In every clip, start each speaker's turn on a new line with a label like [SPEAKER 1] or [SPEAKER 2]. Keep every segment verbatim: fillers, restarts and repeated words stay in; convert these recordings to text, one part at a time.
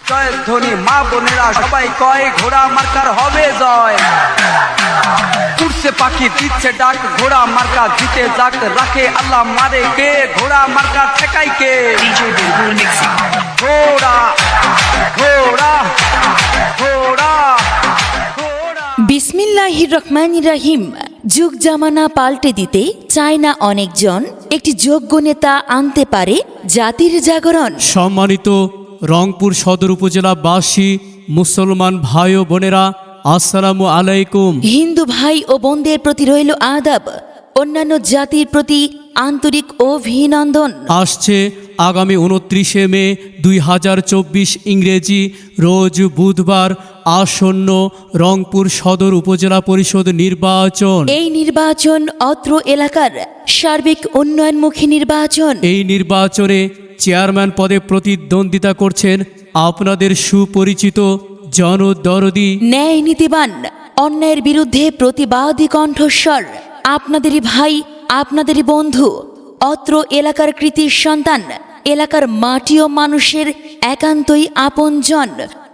[SPEAKER 1] জয়ের ধ্বনি মা বোনেরা সবাই কয় ঘোড়া মার্কার হবে জয়। উড়ছে পাখি দিচ্ছে ডাক ঘোড়া মার্কা জিতে যাক, রাখে আল্লাহ মারে কে, ঘোড়া মার্কা ঠেকাই কে। ঘোড়া ঘোড়া ঘোড়া ঘোড়া।
[SPEAKER 2] বিসমিল্লাহির রহমানির রহিম। যুগ জামানা পাল্টে দিতে চায় না অনেকজন, একটি যোগ্য নেতা আনতে পারে জাতির জাগরণ।
[SPEAKER 3] সম্মানিত রংপুর সদর উপজেলাবাসী, মুসলমান ভাই ও বোনেরা, আসসালামু আলাইকুম।
[SPEAKER 2] হিন্দু ভাই ও বোনদের প্রতি রইল আদাব, অন্যান্য জাতির প্রতি আন্তরিক অভিনন্দন।
[SPEAKER 3] আসছে আগামী উনত্রিশে মে দুই হাজার চব্বিশ ইংরেজি রোজ বুধবার আসন্ন রংপুর সদর উপজেলা পরিষদ নির্বাচন।
[SPEAKER 2] এই নির্বাচন অত্র এলাকার সার্বিক উন্নয়নমুখী নির্বাচন।
[SPEAKER 3] এই নির্বাচনে চেয়ারম্যান পদে প্রতিদ্বন্দ্বিতা করছেন আপনাদের সুপরিচিত জনদরদি,
[SPEAKER 2] ন্যায় নীতিবান, অন্যায়ের বিরুদ্ধে প্রতিবাদী কণ্ঠস্বর, আপনাদেরই ভাই, আপনাদেরই বন্ধু, অত্র এলাকার কৃতি সন্তান, এলাকার মাটি ও মানুষের একান্তই আপনজন,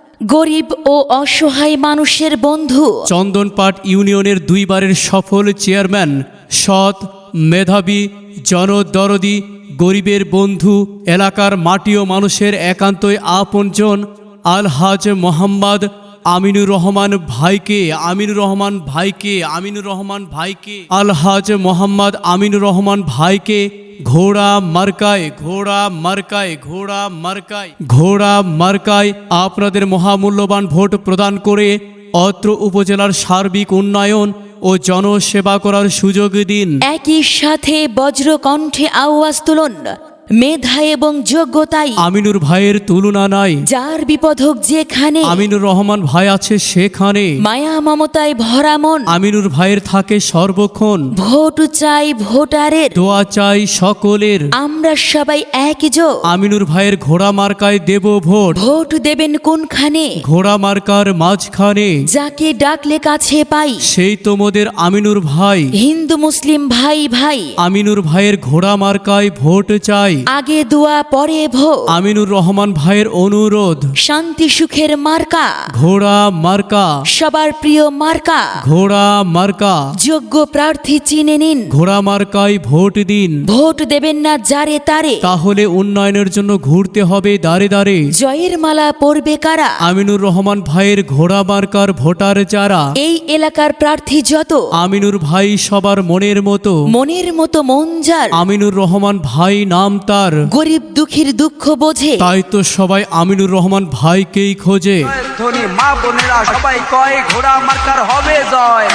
[SPEAKER 2] গরিব ও অসহায় মানুষের বন্ধু,
[SPEAKER 3] চন্দনপাট ইউনিয়নের দুইবারের সফল চেয়ারম্যান, সৎ, মেধাবী, জনদরদি, গরিবের বন্ধু, এলাকার মাটি ও মানুষের একান্তই আপনজন আলহাজ মোহাম্মদ আমিনুর রহমান ভাইকে আমিনুর রহমান ভাইকে আমিনুর রহমান ভাইকে আলহাজ মোহাম্মদ আমিনুর রহমান ভাইকে ঘোড়া মার্কায় ঘোড়া মার্কায় ঘোড়া মার্কায় ঘোড়া মার্কায় আপনাদের মহামূল্যবান ভোট প্রদান করে অত্র উপজেলার সার্বিক উন্নয়ন ও জনসেবা করার সুযোগ দিন।
[SPEAKER 2] একই সাথে বজ্র কণ্ঠে আওয়াজ তুলুন, মেধা এবং যোগ্যতাই
[SPEAKER 3] আমিনুর ভাইয়ের তুলনা নাই,
[SPEAKER 2] যার বিপদ হোক যেখানে,
[SPEAKER 3] আমিনুর রহমান ভাই আছে সেখানে,
[SPEAKER 2] মায়া মমতায় ভরা মন,
[SPEAKER 3] আমিনুর ভাইয়ের থাকে সর্বক্ষণ,
[SPEAKER 2] ভোট চাই ভোটারের,
[SPEAKER 3] দোয়া চাই সকলের,
[SPEAKER 2] আমরা সবাই একই জো,
[SPEAKER 3] আমিনুর ভাইয়ের ঘোড়া মার্কায় দেব ভোট,
[SPEAKER 2] ভোট দেবেন কোনখানে,
[SPEAKER 3] ঘোড়া মার্কার মাঝখানে,
[SPEAKER 2] যাকে ডাকলে কাছে পাই,
[SPEAKER 3] সেই তোমাদের আমিনুর ভাই,
[SPEAKER 2] হিন্দু মুসলিম ভাই ভাই,
[SPEAKER 3] আমিনুর ভাইয়ের ঘোড়া মার্কায় ভোট চাই,
[SPEAKER 2] আগে দোয়া পরে ভোট,
[SPEAKER 3] আমিনুর রহমান ভাইয়ের অনুরোধ,
[SPEAKER 2] শান্তি সুখের মার্কা,
[SPEAKER 3] ঘোড়া মার্কা
[SPEAKER 2] সবার প্রিয় মার্কা,
[SPEAKER 3] ঘোড়া মার্কা,
[SPEAKER 2] যোগ্য প্রার্থী চিনে নিন,
[SPEAKER 3] ঘোড়া মার্কায় ভোট দিন,
[SPEAKER 2] ভোট দেবেন না যারে তারে,
[SPEAKER 3] তাহলে উন্নয়নের জন্য ঘুরতে হবে দাঁড়ে দাঁড়ে,
[SPEAKER 2] জয়ের মালা পরবে কারা,
[SPEAKER 3] আমিনুর রহমান ভাইয়ের ঘোড়া মার্কার ভোটার যারা,
[SPEAKER 2] এই এলাকার প্রার্থী যত,
[SPEAKER 3] আমিনুর ভাই সবার মনের মতো,
[SPEAKER 2] মনের মতো মন যার,
[SPEAKER 3] আমিনুর রহমান ভাই নাম তার,
[SPEAKER 2] গরিব দুঃখীর দুঃখ বোঝে,
[SPEAKER 3] তাই তো সবাই আমিনুর রহমান ভাইকেই খোঁজে।
[SPEAKER 1] জয়ের ধ্বনি মা বোনেরা সবাই কয় ঘোড়া মার্কার হবে জয়।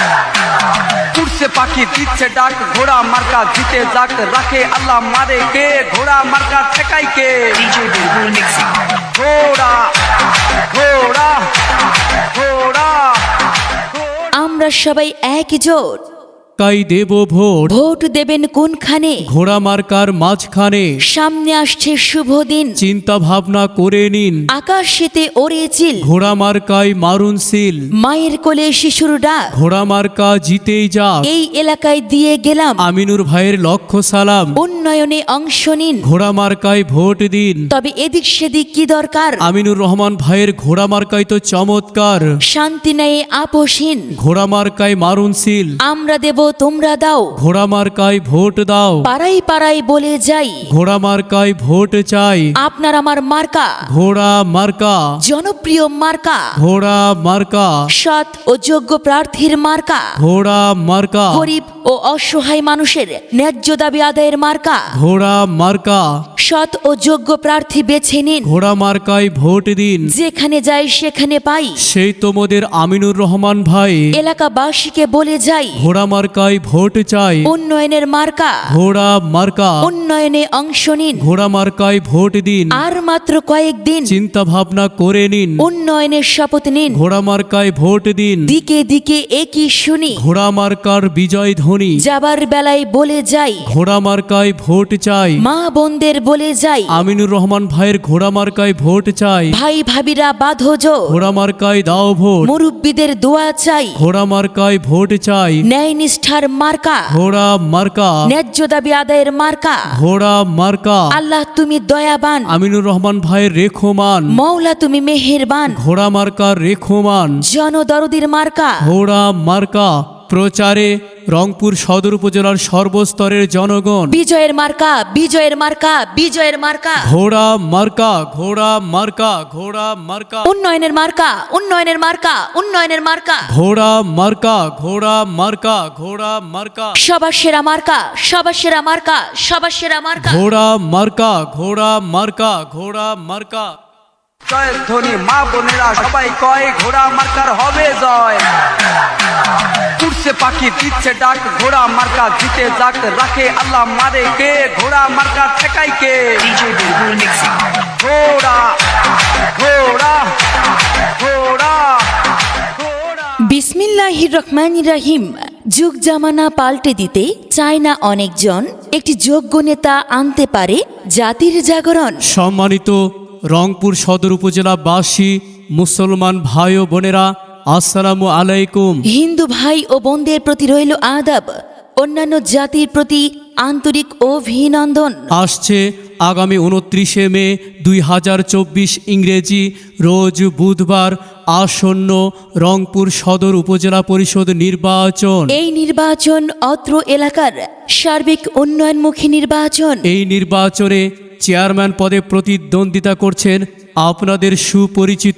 [SPEAKER 1] উড়ছে পাখি দিচ্ছে ডাক ঘোড়া মার্কা জিতে যাক, রাখে আল্লাহ মারে কে, ঘোড়া মার্কা ঠেকাই কে। ঘোড়া ঘোড়া ঘোড়া ঘোড়া।
[SPEAKER 2] আমরা সবাই একজোট,
[SPEAKER 3] কাই দেব ভোট,
[SPEAKER 2] ভোট দেবেন কোনখানে,
[SPEAKER 3] ঘোড়া মার্কার মাঝখানে,
[SPEAKER 2] সামনে আসছে শুভ দিন,
[SPEAKER 3] চিন্তা ভাবনা করে নিন,
[SPEAKER 2] আকাশেতে ওরে চিল,
[SPEAKER 3] ঘোড়া মার্কায় মারুন সিল,
[SPEAKER 2] মায়ের কোলে শিশুর ডাক,
[SPEAKER 3] ঘোড়া মার্কা জিতেই যাক,
[SPEAKER 2] এই এলাকায় দিয়ে গেলাম,
[SPEAKER 3] আমিনুর ভাইয়ের লক্ষ্য সালাম,
[SPEAKER 2] উন্নয়নে অংশ নিন,
[SPEAKER 3] ঘোড়া মার্কায় ভোট দিন,
[SPEAKER 2] তবে এদিক সেদিক কি দরকার,
[SPEAKER 3] আমিনুর রহমান ভাইয়ের ঘোড়া মার্কায় তো চমৎকার,
[SPEAKER 2] শান্তি নেই আপোষহীন,
[SPEAKER 3] ঘোড়া মার্কায় মারুন সিল,
[SPEAKER 2] আমরা দেব তোমরা দাও,
[SPEAKER 3] ঘোড়া মার্কায় ভোট দাও,
[SPEAKER 2] পাড়াই পাড়াই বলে যাই,
[SPEAKER 3] ঘোড়া মার্কায় ভোট চাই,
[SPEAKER 2] আপনার আমার মার্কা,
[SPEAKER 3] ঘোড়া মার্কা
[SPEAKER 2] জনপ্রিয় মার্কা,
[SPEAKER 3] ঘোড়া মার্কা
[SPEAKER 2] সৎ ও যোগ্য প্রার্থীর মার্কা,
[SPEAKER 3] ঘোড়া মার্কা
[SPEAKER 2] গরিব ও অসহায় মানুষের ন্যায্য দাবি আদায়ের মার্কা,
[SPEAKER 3] ঘোড়া মার্কা
[SPEAKER 2] সৎ ও যোগ্য প্রার্থী বেছে নিন,
[SPEAKER 3] ঘোড়া মার্কায় ভোট দিন,
[SPEAKER 2] যেখানে যাই সেখানে পাই,
[SPEAKER 3] সেই তোমাদের আমিনুর রহমান ভাই,
[SPEAKER 2] এলাকাবাসীকে বলে যাই,
[SPEAKER 3] ঘোড়া মার্কায় ভোট চাই,
[SPEAKER 2] উন্নয়নের মার্কা,
[SPEAKER 3] ঘোড়া মার্কা
[SPEAKER 2] উন্নয়নে অংশ নিন,
[SPEAKER 3] ঘোড়া মার্কায় ভোট দিন,
[SPEAKER 2] আর মাত্র কয়েকদিন,
[SPEAKER 3] চিন্তা ভাবনা করে নিন,
[SPEAKER 2] উন্নয়নের শপথ নিন,
[SPEAKER 3] ঘোড়া মার্কায় ভোট দিন,
[SPEAKER 2] দিকে দিকে একই শুনি,
[SPEAKER 3] ঘোড়া মার্কার বিজয় ধ্বনি ধ্বনি
[SPEAKER 2] যাবার বেলায় বলে যাই,
[SPEAKER 3] ঘোড়া মার্কায় ভোট চাই।
[SPEAKER 2] মা বোনদের বলে যাই,
[SPEAKER 3] আমিনুর রহমান ভাইয়ের ঘোড়া মার্কায় ভোট চাই।
[SPEAKER 2] ভাই ভাবিরা বাঁধো জোর,
[SPEAKER 3] ঘোড়া মার্কায় দাও ভোট,
[SPEAKER 2] মুরব্বীদের দোয়া চাই,
[SPEAKER 3] ঘোড়া মার্কায় ভোট চাই।
[SPEAKER 2] ন্যায় নিষ্ঠার মার্কা,
[SPEAKER 3] ঘোড়া মার্কা,
[SPEAKER 2] ন্যায্য দাবি আদায়ের মার্কা।
[SPEAKER 3] ঘোড়া মার্কা।
[SPEAKER 2] আল্লাহ তুমি দয়াবান,
[SPEAKER 3] আমিনুর রহমান ভাইয়ের রেখমান,
[SPEAKER 2] মৌলা তুমি মেহেরবান।
[SPEAKER 3] ঘোড়া মার্কার রেখমান,
[SPEAKER 2] জনদরদির মার্কা,
[SPEAKER 3] ঘোড়া মার্কা। প্রচারে রংপুর সদর উপজেলার সর্বস্তরের জনগণ।
[SPEAKER 2] বিজয়ের মার্কা, বিজয়ের মার্কা, বিজয়ের মার্কা।
[SPEAKER 3] ঘোড়া মার্কা, ঘোড়া মার্কা, ঘোড়া মার্কা।
[SPEAKER 2] উন্নয়নের মার্কা, উন্নয়নের মার্কা, উন্নয়নের মার্কা।
[SPEAKER 3] ঘোড়া মার্কা, ঘোড়া মার্কা, ঘোড়া মার্কা।
[SPEAKER 2] সবার সেরা মার্কা, সবার সেরা মার্কা, সবার সেরা মার্কা।
[SPEAKER 3] ঘোড়া মার্কা, ঘোড়া মার্কা, ঘোড়া মার্কা।
[SPEAKER 1] জয়ের ধ্বনি মা বোনেরা সবাই কয় ঘোড়া মার্কার হবে জয়। উঠছে পাখি দিচ্ছে ডাক ঘোড়া মার্কা জিতে যাক, রাখে আল্লাহ মারে কে, ঘোড়া মার্কা ঠেকাই কে। ঘোড়া ঘোড়া ঘোড়া ঘোড়া।
[SPEAKER 2] বিসমিল্লাহির রহমানির রহিম। যুগ জামানা পাল্টে দিতে চায় না অনেকজন, একটি যোগ্য নেতা আনতে পারে জাতির জাগরণ।
[SPEAKER 3] সম্মানিত রংপুর সদর উপজেলাবাসী, মুসলমান ভাই ও বোনেরা, আসসালামু আলাইকুম।
[SPEAKER 2] হিন্দু ভাই ও বোনদের প্রতি রইল আদাব, অন্যান্য জাতির প্রতি আন্তরিক অভিনন্দন।
[SPEAKER 3] আসছে আগামী উনত্রিশে মে দুই হাজার চব্বিশ ইংরেজি রোজ বুধবার আসন্ন রংপুর সদর উপজেলা পরিষদ নির্বাচন।
[SPEAKER 2] এই নির্বাচন অত্র এলাকার সার্বিক উন্নয়নমুখী নির্বাচন।
[SPEAKER 3] এই নির্বাচনে চেয়ারম্যান পদে প্রতিদ্বন্দ্বিতা করছেন আপনাদের সুপরিচিত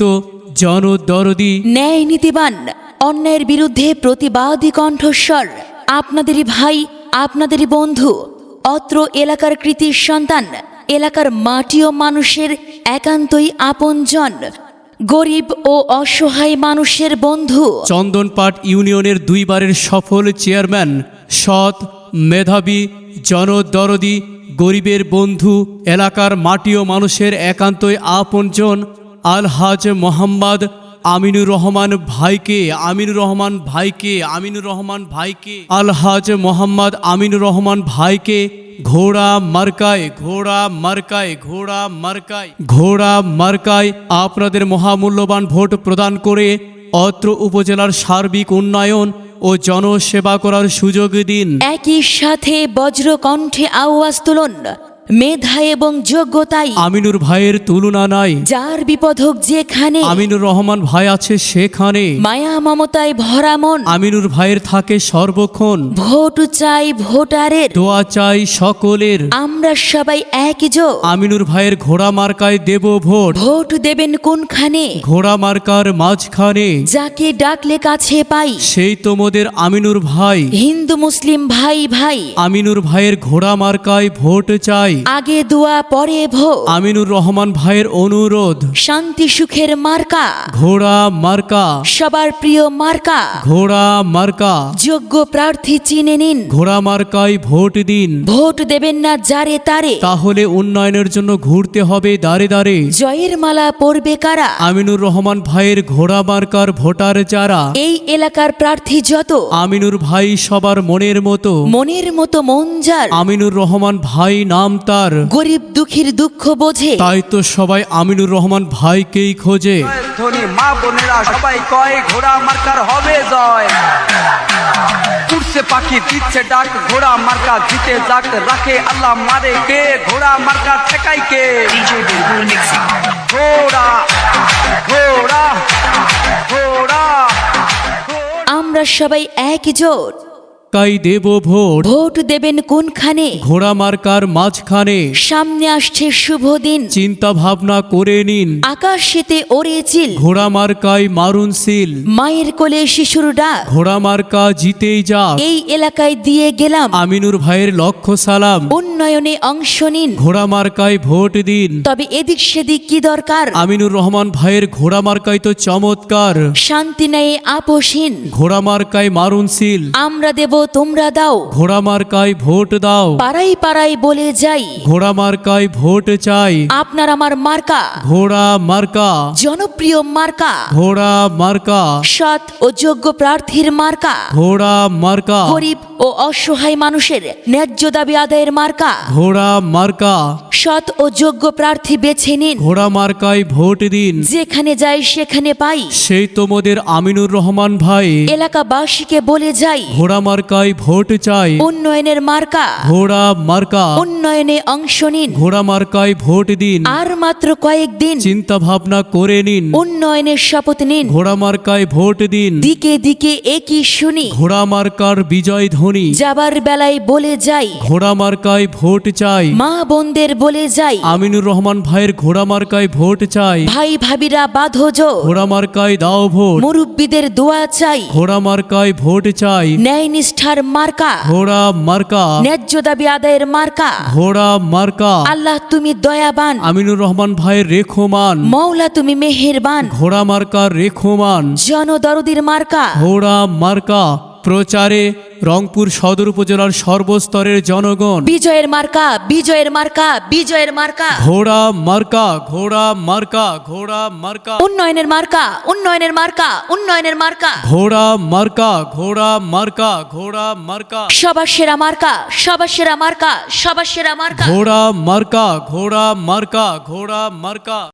[SPEAKER 3] জনদরদি,
[SPEAKER 2] ন্যায় নীতিবান, অন্যায়ের বিরুদ্ধে প্রতিবাদী কণ্ঠস্বর, আপনাদেরই ভাই, আপনাদেরই বন্ধু, অত্র এলাকার কৃতির সন্তান, এলাকার মাটি ও মানুষের একান্তই আপনজন, গরিব ও অসহায় মানুষের বন্ধু।
[SPEAKER 3] চন্দনপাট ইউনিয়নের দুইবারের সফল চেয়ারম্যান, সৎ, মেধাবী, জনদরদি, গরিবের বন্ধু, এলাকার মাটি ও মানুষের একান্তই আপনজন আলহাজ মোহাম্মদ আমিনুর রহমান ভাইকে আমিনুর রহমান ভাইকে আমিনুর রহমান ভাইকে আলহাজ মোহাম্মদ আমিনুর রহমান ভাইকে ঘোড়া মার্কায় ঘোড়া মার্কায় ঘোড়া মার্কায় ঘোড়া মার্কায় আপনাদের মহামূল্যবান ভোট প্রদান করে অত্র উপজেলার সার্বিক উন্নয়ন ও জনসেবা করার সুযোগ দিন।
[SPEAKER 2] একই সাথে বজ্র কণ্ঠে আওয়াজ তুলুন, মেধা এবং যোগ্যতাই
[SPEAKER 3] আমিনুর ভাইয়ের তুলনা নাই।
[SPEAKER 2] যার বিপদ হোক যেখানে,
[SPEAKER 3] আমিনুর রহমান ভাই আছে সেখানে।
[SPEAKER 2] মায়া মমতায় ভরা মন,
[SPEAKER 3] আমিনুর ভাইয়ের থাকে সর্বক্ষণ।
[SPEAKER 2] ভোট চাই ভোটারের,
[SPEAKER 3] দোয়া চাই সকলের।
[SPEAKER 2] আমরা সবাই একই জো।
[SPEAKER 3] আমিনুর ভাইয়ের ঘোড়া মার্কায় দেব ভোট।
[SPEAKER 2] ভোট দেবেন কোনখানে,
[SPEAKER 3] ঘোড়া মার্কার মাঝখানে।
[SPEAKER 2] যাকে ডাকলে কাছে পাই,
[SPEAKER 3] সেই তোমাদের আমিনুর ভাই।
[SPEAKER 2] হিন্দু মুসলিম ভাই ভাই,
[SPEAKER 3] আমিনুর ভাইয়ের ঘোড়া মার্কায় ভোট চাই।
[SPEAKER 2] আগে দোয়া পরে ভোট।
[SPEAKER 3] আমিনুর রহমান ভাইয়ের অনুরোধ,
[SPEAKER 2] শান্তি সুখের মার্কা,
[SPEAKER 3] ঘোড়া মার্কা,
[SPEAKER 2] সবার প্রিয় মার্কা।
[SPEAKER 3] ঘোড়া মার্কা।
[SPEAKER 2] যোগ্য প্রার্থী চিনে নিন,
[SPEAKER 3] ঘোড়া মার্কায় ভোট দিন।
[SPEAKER 2] ভোট দেবেন না যারে তারে,
[SPEAKER 3] তাহলে উন্নয়নের জন্য ঘুরতে হবে দাঁড়ে দাঁড়ে।
[SPEAKER 2] জয়ের মালা পরবে কারা,
[SPEAKER 3] আমিনুর রহমান ভাইয়ের ঘোড়া মার্কার ভোটার যারা।
[SPEAKER 2] এই এলাকার প্রার্থী যত,
[SPEAKER 3] আমিনুর ভাই সবার মনের মতো।
[SPEAKER 2] মনের মতো মন যার,
[SPEAKER 3] আমিনুর রহমান ভাই নাম তার।
[SPEAKER 2] গরিব দুঃখীর দুঃখ বোঝে,
[SPEAKER 3] তাই তো সবাই আমিনুর রহমান ভাইকেই খোঁজে।
[SPEAKER 1] জয়ের ধ্বনি মা বোনেরা সবাই কয় ঘোড়া মার্কার হবে জয়। উঠছে পাখি দিচ্ছে ডাক ঘোড়া মার্কা জিতে যাক, রাখে আল্লাহ মারে কে, ঘোড়া মার্কা ঠেকাই কে। ঘোড়া ঘোড়া ঘোড়া ঘোড়া।
[SPEAKER 2] আমরা সবাই একই জোট।
[SPEAKER 3] কাই দেব ভোট।
[SPEAKER 2] ভোট দেবেন কোনখানে,
[SPEAKER 3] ঘোড়া মার্কার মাঝখানে।
[SPEAKER 2] সামনে আসছে শুভ দিন,
[SPEAKER 3] চিন্তা ভাবনা করে নিন।
[SPEAKER 2] আকাশেতে ওরে চিল,
[SPEAKER 3] ঘোড়া মার্কায় মারুন সিল।
[SPEAKER 2] মায়ের কোলে শিশুর ডাক,
[SPEAKER 3] ঘোড়া মার্কা জিতেই যাক।
[SPEAKER 2] এই এলাকায় দিয়ে গেলাম,
[SPEAKER 3] আমিনুর ভাইয়ের লক্ষ্য সালাম।
[SPEAKER 2] উন্নয়নে অংশ নিন।
[SPEAKER 3] ঘোড়া মার্কায় ভোট দিন।
[SPEAKER 2] তবে এদিক সেদিক কি দরকার,
[SPEAKER 3] আমিনুর রহমান ভাইয়ের ঘোড়া মার্কায় তো চমৎকার।
[SPEAKER 2] শান্তি নেই আপোষহীন,
[SPEAKER 3] ঘোড়া মার্কায় মারুন সিল।
[SPEAKER 2] আমরা দেব তোমরা দাও।
[SPEAKER 3] ঘোড়া মার্কায় ভোট দাও।
[SPEAKER 2] পাড়াই পাড়াই বলে যাই,
[SPEAKER 3] ঘোড়া মার্কায় ভোট চাই।
[SPEAKER 2] আপনার আমার মার্কা
[SPEAKER 3] ঘোড়া মার্কা,
[SPEAKER 2] জনপ্রিয় মার্কা,
[SPEAKER 3] ঘোড়া মার্কা,
[SPEAKER 2] সৎ ও যোগ্য প্রার্থীর মার্কা,
[SPEAKER 3] ঘোড়া মার্কা,
[SPEAKER 2] গরিব ও অসহায় মানুষের ন্যায্য দাবি আদায়ের মার্কা।
[SPEAKER 3] ঘোড়া মার্কা।
[SPEAKER 2] সৎ ও যোগ্য প্রার্থী বেছে নিন,
[SPEAKER 3] ঘোড়া মার্কায় ভোট দিন।
[SPEAKER 2] যেখানে যাই সেখানে পাই।
[SPEAKER 3] সেই তোমাদের আমিনুর রহমান ভাই।
[SPEAKER 2] এলাকাবাসীকে বলে যাই,
[SPEAKER 3] ঘোড়া মার্কায় ভোট চাই।
[SPEAKER 2] উন্নয়নের মার্কা,
[SPEAKER 3] ঘোড়া মার্কা,
[SPEAKER 2] উন্নয়নে অংশ নিন।
[SPEAKER 3] ঘোড়া মার্কায় ভোট দিন।
[SPEAKER 2] আর মাত্র কয়েকদিন,
[SPEAKER 3] চিন্তা ভাবনা করে নিন।
[SPEAKER 2] উন্নয়নের শপথ নিন।
[SPEAKER 3] ঘোড়া মার্কায় ভোট দিন।
[SPEAKER 2] দিকে দিকে একই শুনি,
[SPEAKER 3] ঘোড়া মার্কার বিজয় ধ্বনি।
[SPEAKER 2] যাবার বেলায় বলে যাই,
[SPEAKER 3] ঘোড়া মার্কায় ভোট চাই।
[SPEAKER 2] মা বোনদের বলে যাই,
[SPEAKER 3] আমিনুর রহমান ভাইয়ের ঘোড়া মার্কায় ভোট চাই।
[SPEAKER 2] ভাই ভাবিরা বাঁধো জোর,
[SPEAKER 3] ঘোড়া মার্কায় দাও ভোট।
[SPEAKER 2] মুরব্বীদের দোয়া চাই।
[SPEAKER 3] ঘোড়া মার্কায় ভোট চাই।
[SPEAKER 2] ন্যায় নিষ্ঠার মার্কা,
[SPEAKER 3] ঘোড়া মার্কা,
[SPEAKER 2] ন্যায্য দাবি আদায়ের মার্কা।
[SPEAKER 3] ঘোড়া মার্কা।
[SPEAKER 2] আল্লাহ তুমি দয়াবান,
[SPEAKER 3] আমিনুর রহমান ভাইয়ের রেখমান।
[SPEAKER 2] মৌলা তুমি মেহেরবান।
[SPEAKER 3] ঘোড়া মার্কার রেখমান।
[SPEAKER 2] জনদরদির মার্কা,
[SPEAKER 3] ঘোড়া মার্কা। প্রচারে রংপুর সদর উপজেলার সর্বস্তরের জনগণ।
[SPEAKER 2] বিজয়ের মার্কা, বিজয়ের মার্কা, বিজয়ের মার্কা।
[SPEAKER 3] ঘোড়া মার্কা, ঘোড়া মার্কা, ঘোড়া মার্কা,
[SPEAKER 2] উন্নয়নের মার্কা, উন্নয়নের মার্কা, উন্নয়নের মার্কা।
[SPEAKER 3] ঘোড়া মার্কা, ঘোড়া মার্কা, ঘোড়া মার্কা,
[SPEAKER 2] সবার সেরা মার্কা, সবার সেরা মার্কা, সবার সেরা মার্কা।
[SPEAKER 3] ঘোড়া মার্কা, ঘোড়া মার্কা, ঘোড়া মার্কা।